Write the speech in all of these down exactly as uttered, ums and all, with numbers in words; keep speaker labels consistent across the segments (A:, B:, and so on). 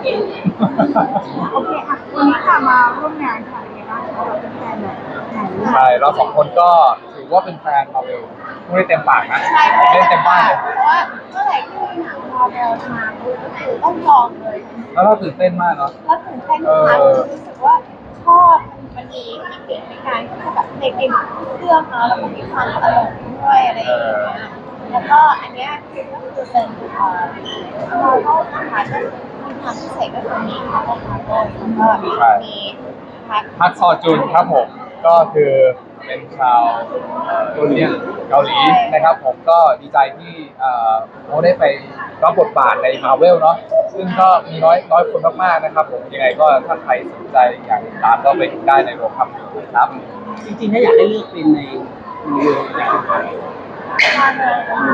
A: โอเคค่ะวันนี้ค่ะมาร่วมงานค่ะเป็นไงบ้างคะเราเป็นแฟนแบบไหน
B: ใช่เราสองคนก็ถือว่าเป็นแฟนมาเวลพูดได้เต็มปากนะ
C: ใช่
B: เล่นเต็มบ้านเลย
C: เพราะว่าเมื่อไหร่ที่มีหนังมาเวลมาปุ๊บก็คือต้องลองเลย
B: แล้วเราตื่นเต้นมากเนาะ
C: แล้วตื่นเต้นมากรู้สึกว่าชอบมันมีมีเด็กในการที่แบบในเกมเรื่องเนาะแล้วก็มีความตลกด้วยอะไรอย่างเงี้ยแล้วก็อันเนี้ยคือก็คือเป็นเอ่อเราก็นะคะก็มีความพิเศษก็คือมีพักของพักเลยแล้วก็มีพัก
B: พักซอจุนครับผมก็คือเป็นชาวเอ่อโคเรียนเกาหลีนะครับผมก็ดีใจที่เอ่อเขาได้ไปรับบทบาทในมาเวลเนาะซึ่งก็มีน้อยน้อยคนมากๆนะครับผมยังไงก็ถ้าใครสนใจอยากติดตามก็ไปดูได้ในโรงภาพยนตร์ครับ
D: จริงๆถ้าอยากให้เลือกเป็นในมืออยากเป็นใคร
C: มาเลย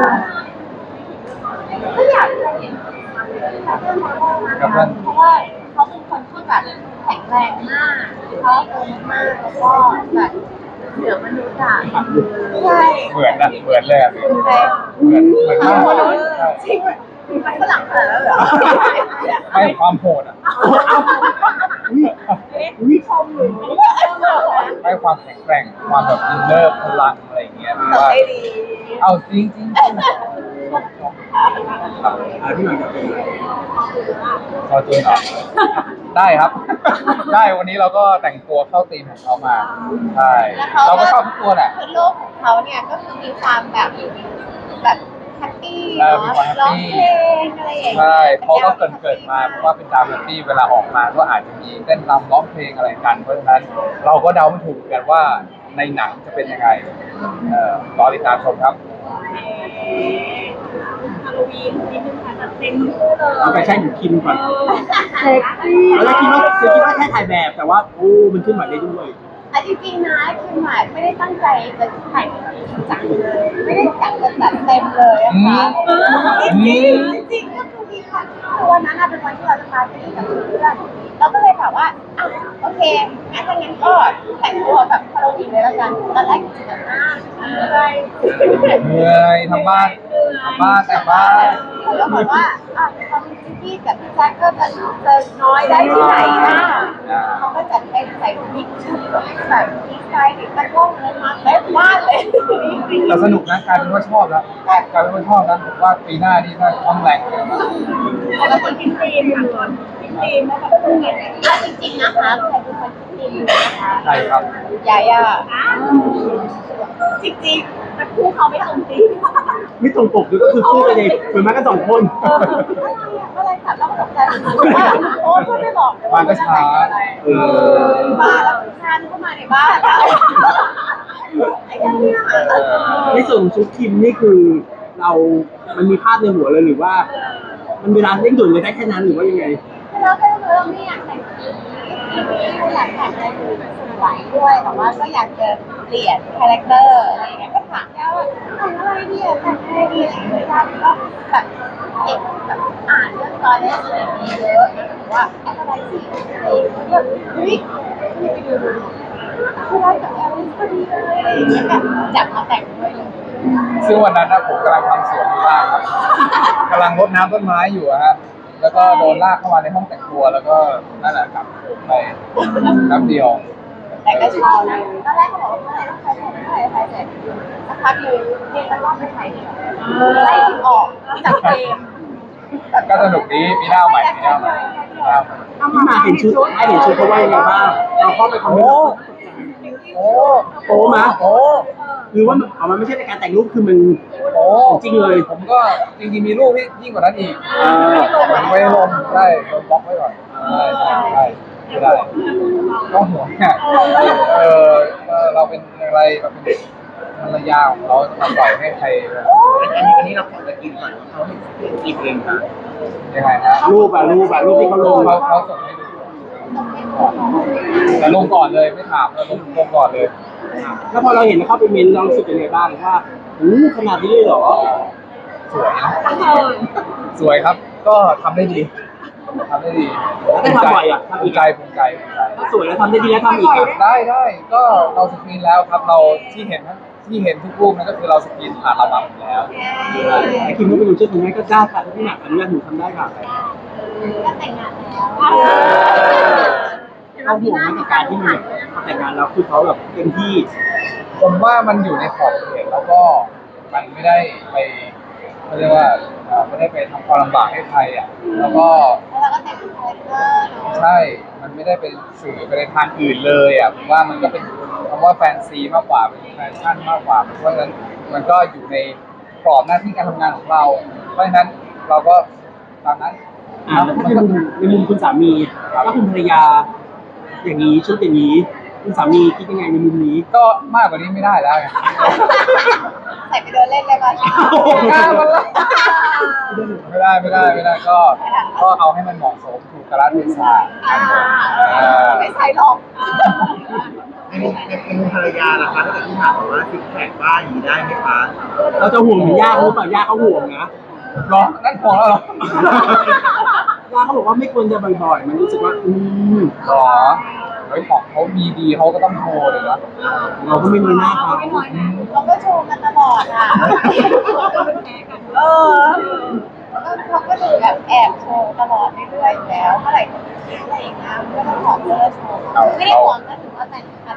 C: ก็อยากจะเห็นกับเพื่อนมาว่าเพราะว่าเขาเป็นคนที่แบบแข็งแรงมากเขาโตมากแล้วก็แบบเหนือมนุษย์อ่ะใช่
B: เหมือนนะเหมือนเลยอะ
C: ใช่
B: เหมือนเหมือนมาก
C: จริงไปฝรั่งขนาดนั้นเหรอ
B: ไม่ความโหดอ่ะ
C: วิชมหรือ
B: ให้ความแข็งแกร่งความแบบอินเนอร์พลังอะไรอย่างเงี้ยหรือว่า
C: ได้ดี
B: เอาจริงจริงครับ
D: อ่าพี่หน่อยจะเป็นอะไร
B: ซอจูนเหรอได้ครับ ได้วันนี้เราก็แต่งตัวเข้าธีมของเขามาใช่เราก็ชอบทุกตัวแหละ
C: คือโลกของเขาเนี่ยก็คือมีความแบบแบบแฮปปี้
B: เออ
C: เนาะ
B: มีความแฮป
C: ร้อง
B: ปี้
C: เพลงอะไรอย่างเงี้ย
B: ใช่เขาก็เกิดเกิดมาเพราะว่าเป็นดาวแฮปปี้เวลาออกมาก็อาจจะมีเต้นรำร้องเพลงอะไรกันเพราะฉะนั้นเราก็เดาไม่ถูกกันว่าในหนังจะเป็นยังไงเอ่อรอติดตามชมครับ
A: ฮาโลวีนนิดนึงค่ะจัดเต็มคู่เลย
D: เอาแฟชั่นอยู่คิมก่อน
A: เซ็กซี่
D: เราจะคิดว่าคือคิดว่าแค่ถ่ายแบบแต่ว่าโอ้มันขึ้นมาได้ด้วย
C: อ่ะจริงๆนะคือหมายไม่ได้ตั้งใจจะถ่ายจริงจังเลยไม่ได้จัดจะจัดเต็มเลยอะค่ะจริงๆจริงๆก็คือมีค่ะคือวันนั้นอะเป็นวันที่เราจะพาไปกับเพื่อนเราก็เลยแบบว่าอ่ะโอเคงั้นถ้างั้นก็แต่งตัวแบบฮาโลวีนเลยแล้วกันตอนแรกคิดแบบหน้าอะไร
B: เหนื่อยทำบ้านทำบ้านแต่งบ้าน
C: เขาก็บอกว่าอ่ะเขามีซิกี้กับพี่แจ็คก็จะจะน้อยได้ที่ไหนนะเขาก็จัดให้ใส่บิ๊กชุดแบบบิ๊กไซส์ตะกล้องเลยมาเต็มบ้านเลย
B: แต่สนุกนะกลายเป็นว่าชอบแล้วกลายเป็นว่าชอบแล้วผมว่าปีหน้านี่น่าจะต้องแรงเลย
A: แต่ละคนกินครีมค่ะก่อนกินครีมแล้วแบบต้องเงี้ย
C: อ่ะจริงๆนะคะใครเป็นคนคิดดีนะคะ
B: ใช่ครับ
C: ยาย่า
A: จริงๆแต่คู่เขาไม่ตรงจริง
D: ไม่ตรงปกด้วยก็คือคู่กันเองเหมือนมากันสองคน
C: อะไรค่ะเราก็ตกใจว่าโอ้พูดไม่บอกเลย
B: มา
C: ว่า
B: ก็ช้า
D: เออ
C: บ้าแล้วชาญเข้ามาในบ้านไอ้เนี่ย
D: ในส่วนของชุดคิมนี่คือเรา มันมีภาพในหัวเลยหรือว่า มันเวลาเร่งด่วนเลยได้แค่นั้นหรือว่ายังไง
C: เราก็คือเราไม่อยากแต่งสีไม่อยากแต่งอะไรดูสวยด้วยแต่ว่าก็อยากจะเปลี่ยนคาแรคเตอร์อะไรอย่างเงี้ยก็ถามแกว่าแต่งอะไรดีอะแต่งอะไรดีอะไรอย่างเงี้ยก็แบบเก็บแบบอ่านเรื่องตอนนี้อะไรอย่างเงี้ยเยอะนะถือว่าอะไรสิอะไรอย่างเงี้ยเฮ้ยไปดูดูคือได้กับแอลลิสพอดีเลยอะไรอย่างเงี้ยแบบจับมาแต่งด้วยเลย
B: ซึ่งวันนั้นนะผมกำลังทำสวนอยู่บ้านครับกำลังรดน้ำต้นไม้อยู่อะฮะแล้วก็โดนลากเข้ามาในห้องแต่งตัวแล้วก็นั่นแหละครับไปน้ำเดียว
C: แต่ก็ชอบนะตอนแรกเขาบอกว่าเมื่อไหร่ต้องใช้เสร็จเมื่อไหร่ใช้เสร็จสักพักหนึ่งเรียนตะกร้อไปถ่ายเนี่ยไล่ออกจากเกม
B: ก็สนุกดีมีหน้าใหม่มีหน้าใหม่มีหน้าใหม่
D: ที่มาเห็นชุดให้เห็นชุดเขาว่ายังไงบ้างเราเข้าไปคอมเมนต์
B: โอ้
D: โป๊มา
B: โอ้
D: หรือว่ามันเอามันไม่ใช่ในการแต่งรูปคือมัน
B: โอ้
D: จริงเลย
B: ผมก็จริงๆมีรูปที่ยิ่งกว่านั้นอีก
D: อ่า
B: ผมไม่ได้ลงใช่โดนบล็อกไว้ก่อนใช่ใช่ใช่ไม่ได้ก็ห่วงเนี่ยเออเออเราเป็นอะไรเราเป็นภรรยาของเขาจะมาปล่อยให้ใคร
E: อันนี้อันนี้เราขอจะกินก่อนเขาให้กินเองค่ะ
B: ยังไงนะ
D: รูปอะรูปอะรูปที่เขาลง
B: เขาเขาส่งให้ดูแต่ลงก่อนเลยไม่ถามเลยลงลงก่อนเลย
D: แล้วพอเราเห็นเข้าไปเมนต์เรารู้สึกยังไงบ้างว่าอู้ขนาดนี้เลยเหรอ
B: สวยนะสวยครับ ก็ทำได้ดีทำได้ดี
D: ได้ทำบ่อยอ่ะ
B: ภูมิใจภูมิใจภูมิใจ
D: ถ้าสวยแล้วทำได้ดีแล้วทำอีกอ่ะ
B: ได้ได้ก็เราสกรีนแล้วครับเราที่เห็นทั้งที่เห็นทุกรูปนั่นก็คือเราสกรีนผ่านระบบแล้ว
D: ไอ้คิมก็ไปดูชุดนี้ก็กล้าค่ะถ้าพี่หนักอนุญาตหนูทำได้ค่ะ
C: ก็แต่งงานแล้ว
D: เขาห่วงไหมกับการที่มันแบบพอแต่งงานแล้วคือเขาแบบเต็มที่
B: ผมว่ามันอยู่ในขอบเขตแล้วก็มันไม่ได้ไปเขาเรียกว่าเอ่อไม่ได้ไปทำความลำบากให้ใครอ่ะแล้วก็
C: แล้วเราก็แต่งเป็นคาแรคเตอร์เนาะ
B: ใช่ มันไม่ได้เป็นสื่อไปในทางอื่นเลยอ่ะผมว่ามันก็เป็นคำว่าแฟนซีมากกว่าเป็นแฟชั่นมากกว่าเพราะฉะนั้นมันก็อยู่ในกรอบหน้าที่การทำงานของเรา เพราะฉะนั้นเราก็ตามนั้น
D: อ่าแล้วถ้าในมุมในมุมคุณสามีถ้าคุณภรรยา อย่างนี้ชุดอย่างนี้คุณสามีคิดยังไงในมุมนี้
B: ก็มากกว่านี้ไม่ได้แล้วไง
C: ใส่ไปเดินเล่นเลยป่ะ
B: กล้ามันละไม่ได้ไม่ได้ไม่ได้ก็ก็เอาให้มันเหมาะสมถูกกาลเทศะ
C: อ่าไม่ใส่หรอก
E: ในมุมในมุมภรรยาล่ะคะถ้าเกิดที่ถามว่าซิกแพคบ้านอย่างนี้ได้ไหมคะ
D: เราจะห่วงเหมือนย่าเขาหรือเปล่าย่าเขาห่วงนะ
B: หรอนั่นของเราเหรอ
D: ย่าเขาบอกว่าไม่ควรจะบ่อยๆ มันรู้สึกว่า อืม
B: หรอเฮ้ยของเขามีดีเขาก็ต้องโชว์เลยนะ
D: เราก็ไม่น้อยหน้าเขา
C: เราก็โชว์กันตลอดอ่ะเออเขาก็ดูแบบแอบโชว์ตลอดเรื่อยๆอยู่แล้วเมื่อไหร่จะมีอะไรอีกนะก็ต้องขอเลิกโชว์ไม่ได้หวังก็ถือว่าแต่งกัน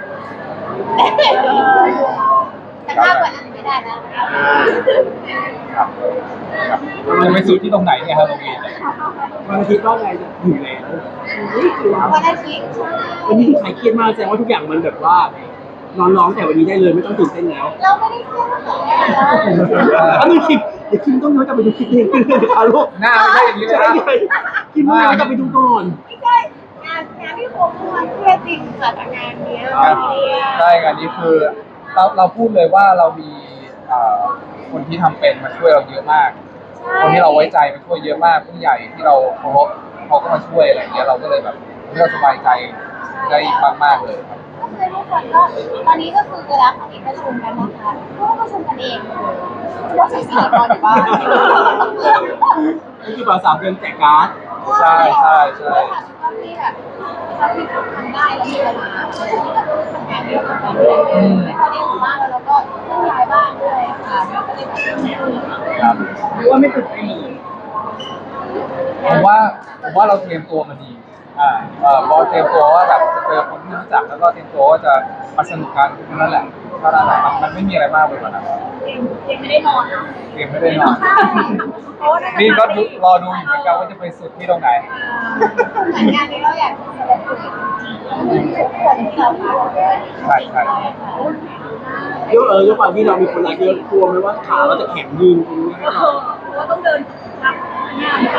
C: แต่มากกว่านั้นไม่ได้นะ
B: ครับครับจะไปสุดที่ตรงไหนเนี่ยฮะโรงเรียนเนี่ย
D: วันอาทิตย์ก็ไงจะอยู่แล้ว
C: วันอาทิตย์
D: วันนี้ใครเครียดมากแสดงว่าทุกอย่างมันแบบว่านอนร้องแต่วันนี้ได้เลยไม่ต้องตื่นเต้นแล้ว
C: เราไม่ได้เครียดตั้งแต่แรกนะ
D: อันนี้คิดเดี๋ยวคิมต้องย้อนกลับไปดูคลิปเองขึ้นเลยค่ะลูก
B: หน้าไม่ใช่อย่างนี้เลย
D: ใช่
B: นะ
D: ไงคิมต้องย้อนกลับไปดูก่อน
C: ไม่ใช่งานงานที่ผมเมื่อวานเครียดจริงค่ะแต่งานเนี้ย
B: ครับใช่งานนี้คือเราเราพูดเลยว่าเรามีเอ่อคนที่ทำเป็นมาช่วยเราเยอะมาก คนที่เราไว้ใจมาช่วยเยอะมากผู้ใหญ่ที่เราเคารพเขาก็มาช่วยอะไรอย่างเงี้ยเราก็เลยแบบเราสบายใจได้มากๆเลยครับ
C: ก็คือทุกคนก็ตอนนี้ก็คือเวลาคณิตประชุมกันนะคะก็ประชุมกันเองว่าสื่อสารตอนอยู่บ้าน
D: นี่คือภาษาเดือนแจกการ์ด
B: ใช่ใช่ใช่
C: ก็ที่แบบถ้าที่ทำได้แล้วมีเวลาที่ก็คือทำงานเยอะเหมือนกันไม่ค่อยได้อยู่บ้านแล้วเราก็ต้องย้ายบ้านด้วยค่ะก็เลยแบบ
B: ครับ
A: หรือว่าไม่ตื่นเต้น
B: ผมว่าผมว่าเราเตรียมตัวมาดีอ่าเอ่อพอเตรียมตัวว่าแบบจะเจอคนที่รู้จักแล้วก็เตรียมตัวว่าจะมาสนุกกันเท่านั้นแหละเท่านั้นแหละมันมันไม่มีอะไรมากไปกว่านั้น
A: ยังไม่ได้นอนนะ
B: เตรียมไม่ได้นอนนี่ก็ดูรอดูอยู่เหมือนกันว่าจะไปสุดที่ตรงไหน
C: เหมือนงานนี้เราอยากจะแสดงตัวจริงๆทุกคนที่เราพูด
B: ใช่ใช่
D: เยอะเออด้วยความที่เรามีคนรักเยอะกลัวไหมว่าขาเราจะแข็งยืนตรงนี้ให้เรา
A: ว่าต้องเดินรับงานค่ะ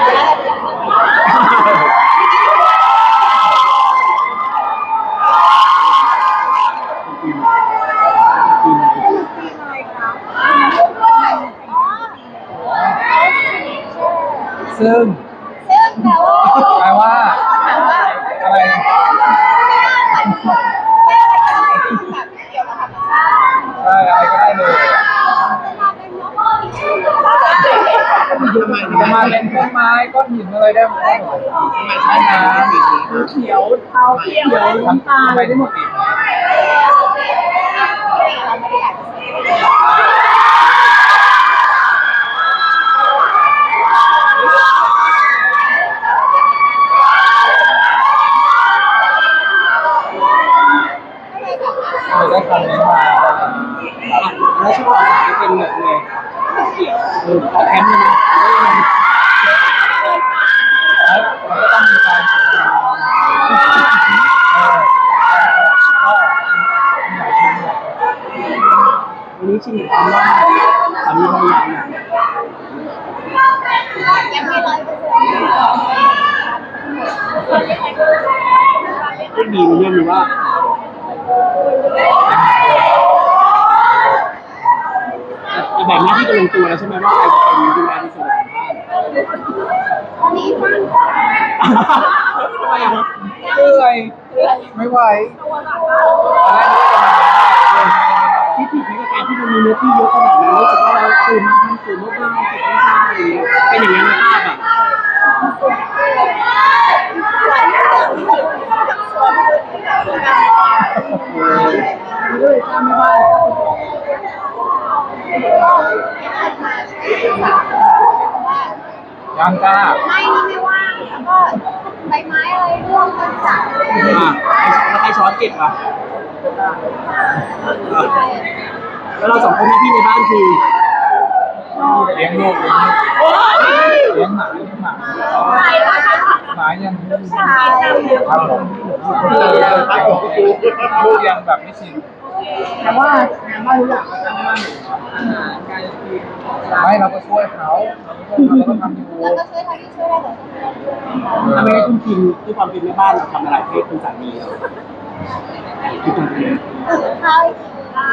D: ปีนปีน
A: อะไรคะ
B: ซึ่ง
C: ซึ่งแปลว่า
B: แปลว่า
C: ถามว่า
B: อะไร
C: แบบเกี่ยวกับธรรมชาติ
B: ใช่อะไรก็ได้เลย
E: ทำไม
B: จะมาเป็นต้นไม้ก้อนหินอะไรได้หมด
E: ทำไมใช่น้ำอย่างนี้คะ
A: เขียวเทาเขียว
B: ทำตาอะไรได้หมดอีก
C: เราไม่ได้อยากจะซื้อก็เลยแบบ
B: เลยได้คำนี้มา
D: แล้วช่วงอาสาจะเป็นแบบไงเกี่ยวเออขอแคมป์เลยนะ
B: แล้วมันก็ต้องมีการฝึกงานเออก็มีหลายชิ้นเลย
D: วันนี้ชิมความว่าสามีภรรยาเนี่ย
C: ยังไม่ร้อยเปอร์เซ็นต์
D: ก็ดีมันเรื่องนี้ว่าแต่แบ่งหน้าที่กันลงตัวแล้วใช่ไหมว่าใครจะเป็นดูแลในส่วนของบ้าน
C: ตอนนี้มัน
D: ทำไมอ่ะ
B: เหนื่อยไม่ไหวตอนแรกนึกว่าจะมาได้เลย
D: ที่ผิดในการที่มันมีเนื้อที่เยอะขนาดนั้นรู้สึกว่าเราตื่นมาทำสื่อมากๆเก็บไม่ได้อะไรอย่างเงี้ยเป็นอย่างนั้นในภาพอ่ะ
A: มันก็เลยสร้างไม่บ้าน
B: ยังกล้า
C: ไม่นี่ไม่ว่างแล้วก็ใบไม้อะไรร่วงต้นสายอะไรอย่างเงี้ย
D: อ่ะแล้วใครช้อนเก็บอ่ะแล้วเราสองคนหน้าที่ในบ้านคือ
B: เลี้ยงลูกเลี้ยงลูก
D: โอ๊ย
B: เลี้ยงหมาเลี้ยงหมา
C: ใช่ค่ะ
B: หมายัง
C: ลูกชาย
B: ครับผมลูกยังแบบไม่ชิน
A: แต่ว่างานบ้านทุกอย่างเราทำบ้านอาหารการกิน
B: ไม่เราก็ช่วยเขาเราก็ทำอยู่
C: แล้วก็ช่วยทำที่ช่วยได้แต่ช่วยได้ด้วย
D: ทำไมคุณกินด้วยความเป็นแม่บ้านเราทำอะไรให้คุณสามีเราที่ทำเป็น
C: ตื่นข้าวให้กิน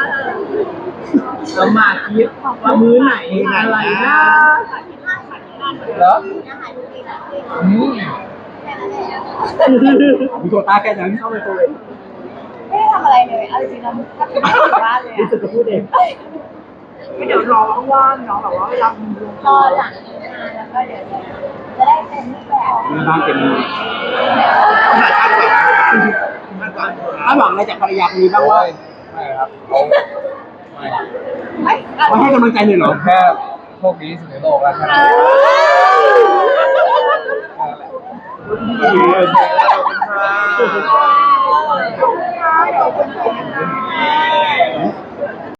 A: เรามาคิดว่ามื้อไหนอะไรนะ
B: เหรอ
C: อาหารดีนะ
B: อืม
C: แค่นั้นเอง
D: มีโควต้าแค่นั้นเข้าไปตัวเอง
C: ไม่ได้ทำอะไรเลยเอาจริงๆเราก็ไม่ได้อยู่บ้านเลย
D: รู้สึกจะพูดเอง
A: ไม่เดี๋ยวรอว่างๆเนาะแบบว่าเวลามีลง
C: รอหลังงานแล้วก็เดี๋ยวจะได้เป็นรูปแบบ
D: แม่บ้านเต็มมือ
E: ขนาดคาดหวังคาดหวัง
D: คาดหวังอะไรจากภรรยาคนนี้บ้างว่า
B: ไม่ครับเขาไม่
C: ไม่
D: เขาให้กำลังใจเลยเหรอ
B: แค่โชคดีที่สุดในโลกแล้วแค่นั้น
E: ขอบคุณค่ะ